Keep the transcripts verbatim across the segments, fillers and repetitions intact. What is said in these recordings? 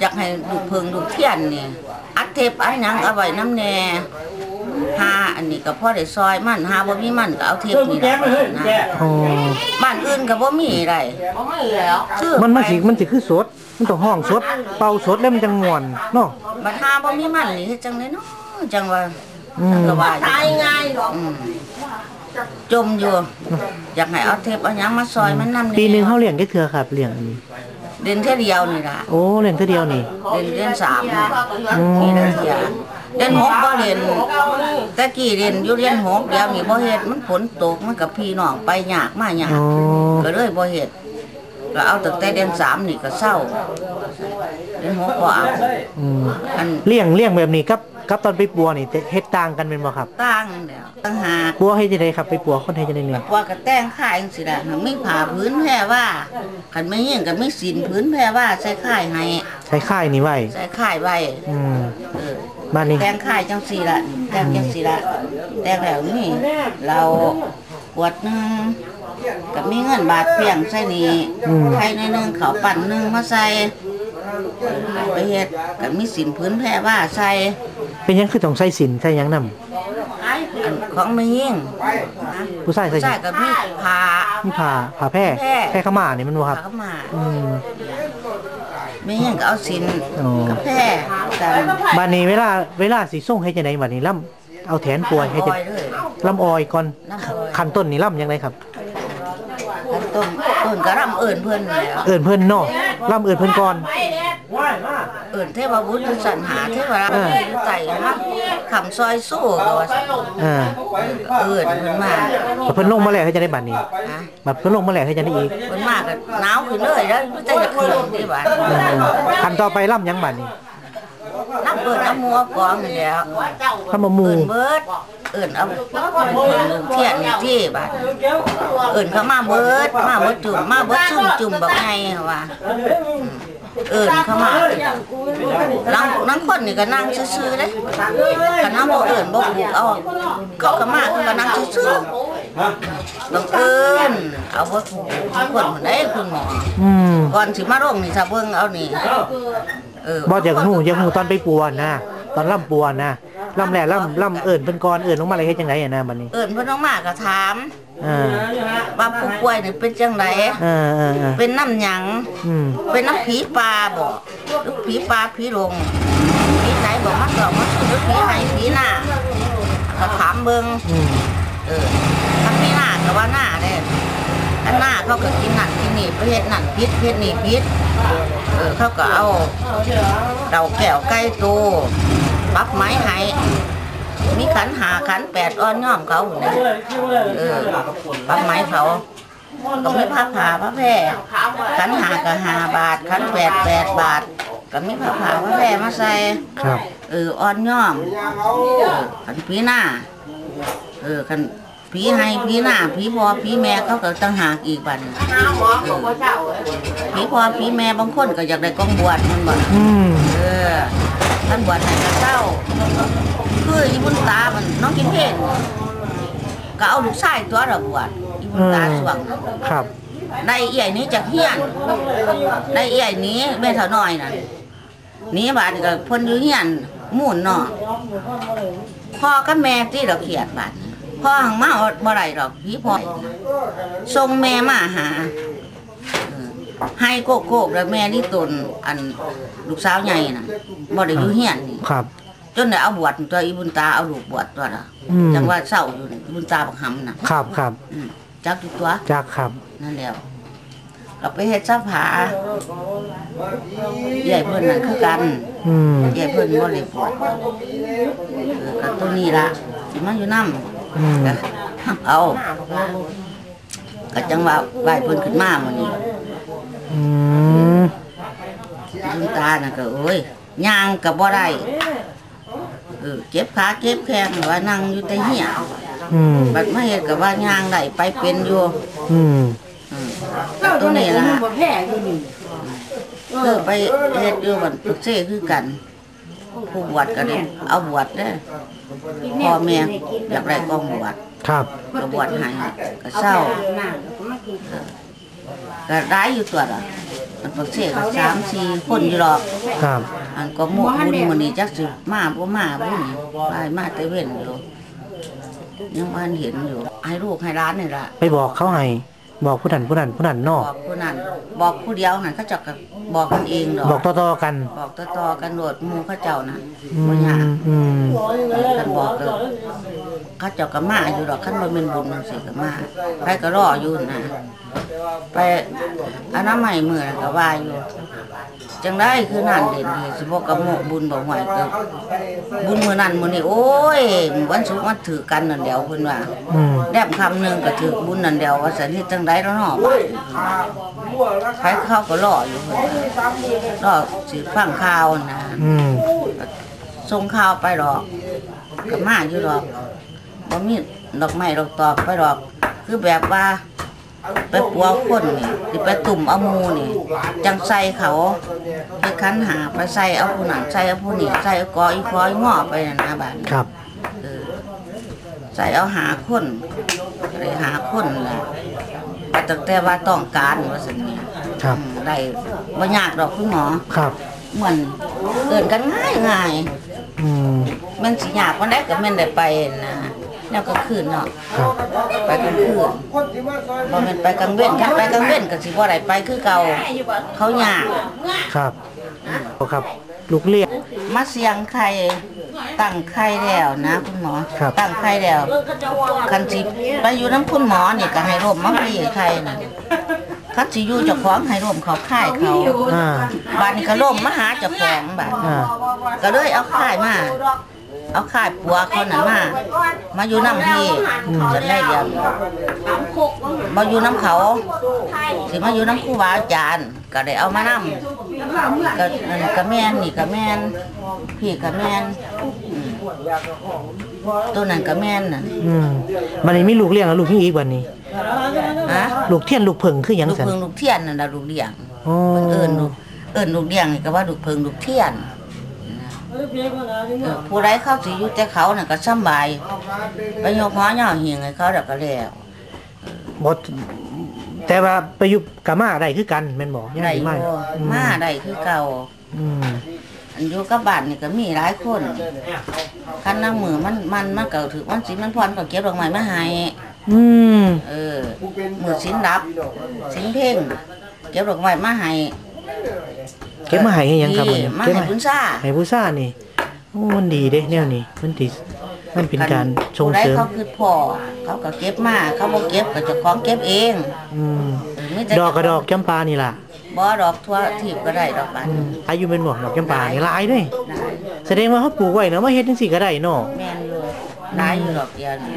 อยากให้ดูเพิงดูเทียนนี่อัดเทปอัดหยังเอาไว้น้ำแน่หาอันนี้ก็พ่อได้ซอยมันหาบ่มีมันก็เอาเทปนี่นะบ้านอื่นก็บ่มีไรมันมันสิมันสิคือสดมันต้องห้องสดเป่าสดแล้วมันจังม่วนเนาะบัดหาบ่มีมันนี่เฮ็ดจังได๋เนาะจังว่าก็ว่าตายง่ายหรอกจมอยู่อยากให้เอาเทปเอาหยังมาซอยมันนำปีนึงเฮาเลี้ยงได้เทื่อครับเลี้ยงเดือนแค่เดียวนี่ล่ะโอ้เลี้ยงเทื่อเดียวนี่เดือนเดือนสามนี่เดือนเดียวเดือนหกบ่เรียนตะกี้เรียนอยู่เรียนหกเดี๋ยวนี้บ่เฮ็ดมันฝนตกมันกับพี่น้องไปยากมายากก็เลยบ่เฮ็ดก็เอาตั้งแต่เดือนสามนี่ก็เศร้าเดือนหกบ่เอาอันเลี้ยงเลี้ยงแบบนี้ครับครับตอนไปปัวนี่เฮ็ดต่างกันเป็นบ่ครับต่างแล้วต่างหากปัวเฮ็ดจังได๋ครับไปปัวคนเฮ็ดจังได๋เนี่ยปัวก็แต่งค่ายจังซี่ล่ะมีผ้าพื้นแพรว่าคันไม่ยิงก็มีศีลพื้นแพรว่าใส่ค่ายให้ใส่ค่ายนี่ไว้ใส่ค่ายไว้อืมเออบ้านนี้แต่งค่ายจังซี่ล่ะแต่งจังซี่ล่ะแต่งแล้วนี่เราขวดนึงก็มีเงินบาทเพียงใส่นี่ไข่ในนึงข้าวปั้นนึงมาใส่ไปเฮ็ดก็มีศีลพื้นแพรว่าใส่เป็นยังคือต้องใส่ศีลใส่หยังนำของไม่ยิ่งผู้ชายใส่ใส่กับมีผ้ามีผ้าผ้าแพร่แพร่ขม่านี่มันบ่ครับขม่าอืมไม่ยิ่งก็เอาศีลกับแพร่บัดนี้เวลาเวลาสิส่งให้จังได๋บัดนี้ล่ำเอาแถนป่วยให้จังล่ำออยก่อนขั้นต้นนี่ล่ำยังไงครับขั้นต้นต้นก็ล่ำเอิ้นเพิ่นแล้วเอิ้นเพิ่นเนาะล่ำเอิ้นเพิ่นก่อนเอิ้นเทพบุตรสรรหาเทวราชอยู่ใต้ฮักคำซอยสู้ก็ว่าอ่าเอิ้นเพิ่นมาเพิ่นลงมาแล้วให้จังได๋บัดนี้บัดเพิ่นลงมาแล้วให้จังได๋อีกเพิ่นมาก็หนาวขึ้นเลยแล้วบ่จังจะขึ้นนี่บัดขั้นต่อไปล่ำยังบัดนี้น้ำเบิดน้ำมัวกองนี่แล้วถ้ามามูเบิดเอิ้นเอาเทียนนี่ที่บัดเอิ้นเขามาเบิดมาเบิดจุ่มมาเบิดซุ่มจุ่มบักไงว่าเอิ้นเข้ามานั่งนั่งคนนี่ก็นั่งซื่อๆเด้คันเฮาบ่เอิ้นบ่ปลูกเอาเขาก็มาก็นั่งซื่อๆบังเอิญเอาบ่ถูกคนคนใดคุณหมออืมก่อนสิมาโรงนี่ถ้าเบิ่งเอานี่เออบ่อยากฮู้อยากฮู้ตอนไปปัวนะตอนล่ำปัวนะล่ำแหล่ล่ำล่ำเอิ้นเพิ่นก่อนเอิ้นลงมาเลยเฮ็ดจังได๋อ่ะนะบัดนี้เอิ้นเพิ่นลงมาก็ถามอ่าว่าผู้ป่วยนี่เป็นจังได๋เออๆเป็นน้ำหยังอืมเป็นน้ำผีปลาบ่หรือผีปลาผีลงผีไหนบอกมาตอบมาคือผีไหนผีหน้าก็ถามเบิ่งอืมเออถ้าผีหน้าก็ว่าหน้าเด้อันหน้าเขาก็กินนั่นกินนี่ประเภทนั่นพิษประเภทนี่พิษเออเขาก็เอาเต่าแก้วไก่โตปักไม้ให้มีขันหาขันแปดอ้อนย่อมเขาเนี่ยเออปักไม้เขาก็มีผ้าผ่าผ้าแพร่ขันหาก็ห้าบาทขันแปดแปดบาทก็มีผ้าผ่าผ้าแพร่มาใส่เอออ้อนย่อมขันผีหน้าเออขันผีให้ผีหน้าผีพอผีแม่เขาก็ตั้งหากอีกบัดผีพอผีแม่บางคนก็อยากได้กองบวชมันบ่เออท่านบวชให้ก็เศร้าคืออีบุญตามันน้องกินเพลงก็เอาลูกชายตัวเราบวชอีบุญตาสวงครับได้เอี่ยนี้จากเฮียนได้เอี่ยนี้แม่เท่าน้อยน่ะนี้บาดก็พ้นอยู่เฮียนหมุนเนาะพ่อกับแม่ที่เราเขียดบาดพ่อหังมาบ่ไรหรอกพี่พ่อส่งแม่มาหาให้โกโก้แล้วแม่นี่ตนอันลูกสาวใหญ่น่ะบ่ได้อยู่เฮียนนี่ครับจนได้เอาบวชตัวอีบุญตาเอาลูกบวชตัวละจังว่าเศร้าอยู่บุญตาบักหำน่ะครับครับจักตัวจักครับนั่นแล้วเราไปเฮ็ดซับผาใหญ่เพิ่นน่ะคือกันใหญ่เพิ่นบ่ได้บวชเออกับตัวนี้ล่ะสิมาอยู่นำเอาก็จังว่าไหว้เพิ่นขึ้นมามื้อนี้อืมบุญตาน่ะก็โอ้ยย่างก็บ่ได้เออเจ็บขาเจ็บแข้งว่านั่งอยู่แต่เหี้ยอืมบัดมาเฮ็ดก็ว่าย่างได้ไปเป็นอยู่อืมอืมตัวนี้ล่ะเออไปเฮ็ดอยู่บัดตุกเซ่คือกันผู้บวชก็ได้เอาบวชเด้อพ่อแม่อยากได้กองบวชครับก็บวชให้ก็เศร้าก็ได้อยู่ตัวละมันปักเสกก็สามสี่คนอยู่หรอกครับอันก็หมกบุญมื้อนี้จักสิมาบ่มาบุญไปมาแต่เว้นอยู่ยังบ่เห็นอยู่ให้ลูกให้ร้านนี่ล่ะไปบอกเขาให้บอกผู้นั้นผู้นั้นผู้นั้นนบออก กผู้นั้นบอกผู้เดียวนั่นเขาเจ้าก็บอกกันเองดอกบอกต่อๆกันบอกต่อๆกันโดดหมู่เขาเจ้าน่ะอืบ่ยากมอืมกันบอกเด้อเขาเจ้าก็มาอยู่ดอกคันบ่แม่นบุญจังซี่ก็มาไปก็รออยู่นะไปอนามัยมื้อนั้นก็ว่าอยู่จังได๋คือนั่นเด่นนี่สิบ่กับหมกบุญบ่หวยก็บุญมื้อนั้นมื้อนี้โอ้ยวันศุกร์มันถือกันนั่นเดียวเพิ่นว่าอืมแนบคำนึงก็ถือบุญนั่นเดียวว่าซั่นเฮ็ดจังได๋แล้วเนาะไปเขาก็รออยู่เพิ่นรอสิฟังข่าวนะอืมส่งข่าวไปดอกก็มาอยู่ดอกบ่มีดอกไม้ดอกตอบไปดอก คือแบบว่าไปปัวคนนี่สิไปตุ่มเอาหมูนี่จังใส่เขาไปคันหาไปใส่เอาผู้นั้นใส่เอาผู้นี้ใส่เอากออีพออีงอไปนั่นนะบาดนี้ครับเออใส่เอาหาคนไปหาคนแหละแต่ตั้งแต่ว่าต้องการว่าซั่นนี่ครับอืมได้บ่ยากดอกคุณหมอครับเหมือนเกินกันง่ายง่ายอืมมันสิยากวันใดก็แม่นได้ไปนะแล้วก็คืนเนาะครับไปกลางคืนบ่แม่นไปกลางเว้นคันไปกลางเว้นก็สิบ่ได้ไปคือเก่าเขายากครับครับ ลูกเรียกมาเสียงไข่ตั้งไข่แล้วนะคุณหมอครับตั้งไข่แล้วคันสิไปอยู่น้ำคุณหมอนี่ก็ให้ร่มมาพี่ไข่น่ะคันสิอยู่เจ้าของให้ร่มเขาค่ายเขาอ่าบัดนี้ก็ร่มมาหาเจ้าของบัดอ่าก็เลยเอาค่ายมาเอาค่ายปัวเขานั่นมามาอยู่น้ำพี่จะได้เดียวมาอยู่น้ำเขาสิมาอยู่น้ำครูบาอาจารย์ก็ได้เอามานำก็นั่นก็แม่นนี่ก็แม่นพี่ก็แม่นอืมตัวนั้นก็แม่นน่ะอืมมันนี้มีลูกเลี้ยงแล้วลูกยังอีกวันนี้ฮะลูกเทียนลูกเผิงคือหยังลูกซั่นเพิงลูกเทียนนั่นล่ะลูกเลี้ยงอ๋อเอิ้นลูกเอิ้นลูกเลี้ยงนี่ก็ว่าลูกเพิงลูกเทียนเออผู้ใดเข้าสิอยู่แต่เขาน่ะก็สำบายไปยกหอย่อเหียงให้เขาแล้วก็แล้วบ่แต่ว่าไปอยู่กะมาได้คือกันแม่นบ่ยังได้สิอมายู่มาได้คือเก่าอืมอันอยู่กับบ้านนี่ก็มีหลายคนคันน้ำมือมันมันมันก็ถือวันสินมันพรก็เก็บดอกไม้มาให้อืมเออมือสินรับสินเพ่งเก็บดอกไม้มาให้เก็บมาให้ให้หยังครับนี่มื้อนี้มาเก็บให้มาบุญซ่าให้ผู้ซ่านี่โอ้มันดีเด้แนวนี้มันสิมันเป็นการส่งผู้ใดเสริมเขาคือพ่อเขาก็เก็บมาเขาบ่เก็บก็เจ้าของเก็บเองอืมเออมีแต่ดอกกระดอกจำปานี่ล่ะบ่ดอกทั่วทีบก็ได้ดอกบานอืมอายุเป็นบ่ดอกจำปานี่หลายเด้ได้แสดงว่าเขาปลูกไว้เนาะมาเฮ็ดจังซี่ก็ได้เนาะแม่นอยู่หลายอยู่ดอกเดียวนี่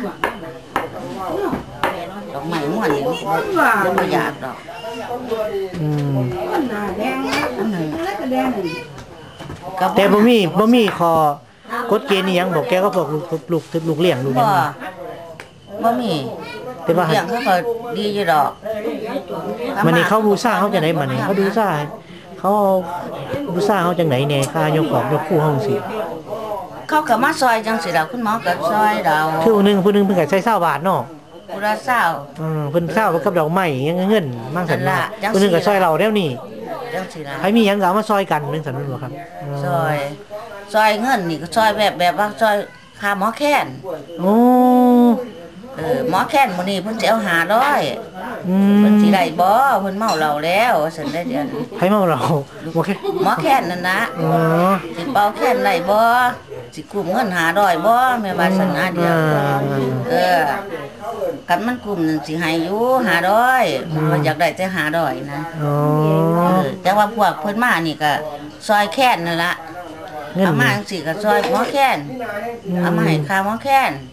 ดอกไม้ม่วนนี่บ่อยากดอกอืมอันนั้นก็แต่บ่มีบ่มีข้อกฎเกณฑ์อีหยังบอกแกก็บอกลูกลูกลูกเลี้ยงลูกหยังบ่บ่มีแต่ว่าเลี้ยงเขาก็ดีอยู่ดอกมันนี่เขาบูชาเขาจังได๋มันนี่เขาบูชาเขาเอาบูชาเขาจังได๋แหน่ค่ายกของยกคู่เฮาจังซี่เขาก็มาซอยจังสิล่ะคุณหมอก็ซอยเราคือผู้หนึงผู้หนึงเพิ่นก็ใช้20บาทเนาะผู้ละเศร้าอืมเพิ่นเช้ากับดอกไม้ยังเงินมั่งสันนั่นล่ะจังสิผู้หนึงก็ซอยเราแล้วนี่จังสิล่ะใครมีหยังก็เอามาซอยกันจังซั่นแม่นบ่ครับซอยซอยเงินนี่ก็ซอยแบบแบบว่าซอยค่าหมอแค้นโอ้เออหมอแค้นมื้อนี้เพิ่นสิเอาห้าร้อยอืมเพิ่นสิได้บ่เพิ่นเมาเหล้าแล้วว่าซั่นได้เดือนใครเมาเราบ่แค่หมอแค้นนั่นนะอ๋อสิเป่าแค้นได้บ่สิกลุ่มเงินห้าร้อยบ่แม่ว่าซั่นนะเดียวเออกันมันกลุ่มนั่นสิให้อยู่ห้าร้อยมันอยากได้แต่ห้าร้อยนะอ๋อเออแต่ว่าพวกเพิ่นมานี่ก็ซอยแค้นนั่นล่ะเงินเอามาจังซี่ก็ซอยหมอแค้นเอามาให้ค่าหมอแค้น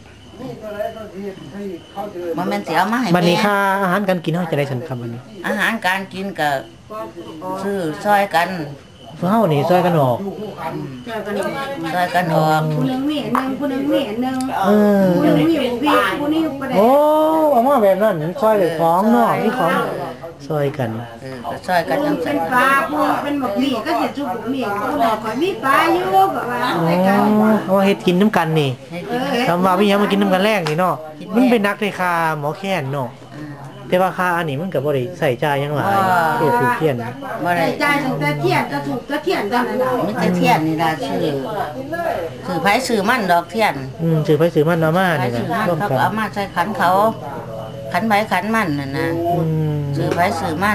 บ่แม่นสิเอามาให้บัดนี้แม่ค่าอาหารการกินเฮาจะได้สันครับบัดนี้อาหารการกินก็ซื้อซอยกันเฮานี่ซอยกันออกซอยกันออกผู้หนึงมีอันหนึงผู้หนึงมีอันหนึงเออผู้หนึงมีบุพี่ผู้นี้บ่ได้โอ้เอามาแบบนั้นซอยเลยของเนาะมีของซอยกันเออก็ซอยกันจังเป็ซั่นนปลาผู้เป็นหมกหมี่ก็สิจุบหมี่ผู้ใดก็มีปลาอยู่ก็ว่าอ๋อใส่กันเอามาเฮ็ดกินน้ำกันนี่ให้เอกินอคำว่ามีหยังมากินน้ำกันแรกนี่เนาะมันเป็นนักในคาหมอแค้นเนาะอแต่ว่าค่าอันนี้มันก็บ่ได้ใส่จ่ายหยังหลายเทียบถูกเทียนบ่ได้ใจตั้งแต่เที่ยงก็ถูกก็เที่ยงเท่านั้นล่ะมีแต่เทียนนี่ล่ะชื่อชื่อไผชื่อมันดอกเทียนอืมซื้อไปซื้อมันเอามาไผนี่ชื่อมันนะร่วมเขากัก็นเอามาใส่ขันเขาขันไผขันมันน่ะนะอืมชื่อไผชื่อมัน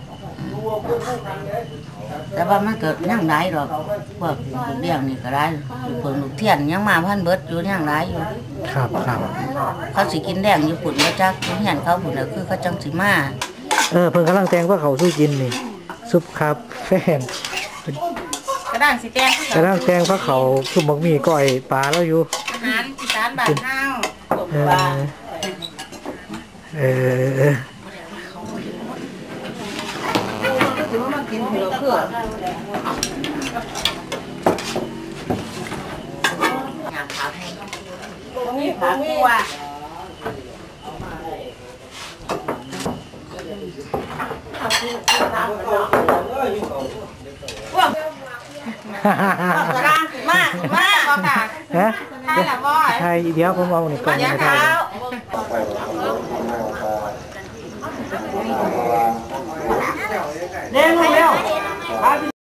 แต่ว่ามันเกิดยังหลายดอกพวกเลี้ยงนี่ก็ได้เพิ่นลูกเทียนยังมาพันเบิดอยู่ยังหลายอยู่ครับครับเขาสิกินแดงอยู่ปุ่นว่าจักเห็นเขาปุ่นแล้วคือเขาจังสิมาเออเพิ่นกำลังแต่งว่าเขาสู้กินนี่ซุปครับแฟนกระด้างสิแตงกำลังแต่งว่าเขาซุปบักหมี่ก้อยปลาแล้วอยู่อาหารอีสานบ้านเฮาเออเออเออถือว่ามากินเผื่อเพื่ออยากขาให้มีขาคู่อ่ะ กระด้างมากมากบ่ค่ะฮะใช่ละบ่อยใช่เดี๋ยวผมเอานี่ก่อนยันะงครัเท้าบเร็วเร็วพาพี่